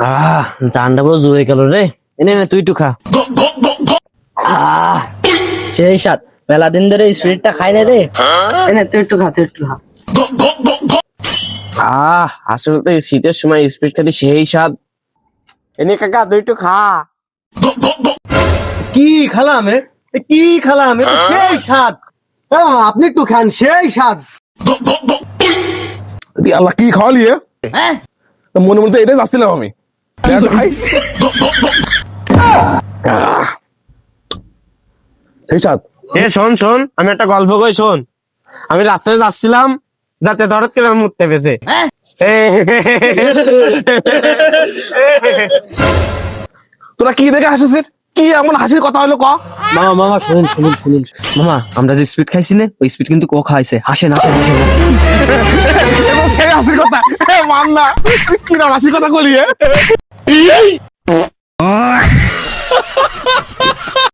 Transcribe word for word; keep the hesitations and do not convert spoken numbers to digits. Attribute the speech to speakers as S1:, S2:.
S1: আহ জানটা পুরো জুয়ে গেল রে। এনে নে তুই একটু খা।
S2: আহ সেই স্বাদ, মেলা দিন ধরে স্পিরিটটা খাই না রে। এনে তুই একটু খা, তুই একটু খা।
S1: আহ আসলে তো এই শীতের সময় স্পিড খেতে সেই স্বাদ। এনে কাকা তুই একটু খা।
S3: কি খালাম এ? এ কি খালাম এ তো সেই স্বাদ। এ মামা, আপনি একটু খান, সেই স্বাদ।
S4: এ আল্লাহ কি খাওয়ালি এ?
S2: হ্যাঁ
S4: তা মনে মনে তো এটাই যাচ্ছিলাম আমি। খাই। আহ, সেই স্বাদ।
S1: এ শোন শোন আমি একটা গল্প কই শোন। আমি রাত্রে যাচ্ছিলাম, যাতে ধরত করে আমার মুততে পেয়েছে।
S2: হ্যাঁ
S4: তোরা কি দেখে হাসিস? কি এমন হাসির কথা হলো ক?
S3: মামা মামা শুনুন শুনুন শুনুন
S1: মামা আমরা যে স্পিড খাইছি না, ওই স্পিড কিন্তু ও খাইছে। হাসেন হাসেন হাসেন।
S4: এবার সেই হাসির কথা এ মান না, কি না হাসির কথা কলি এ?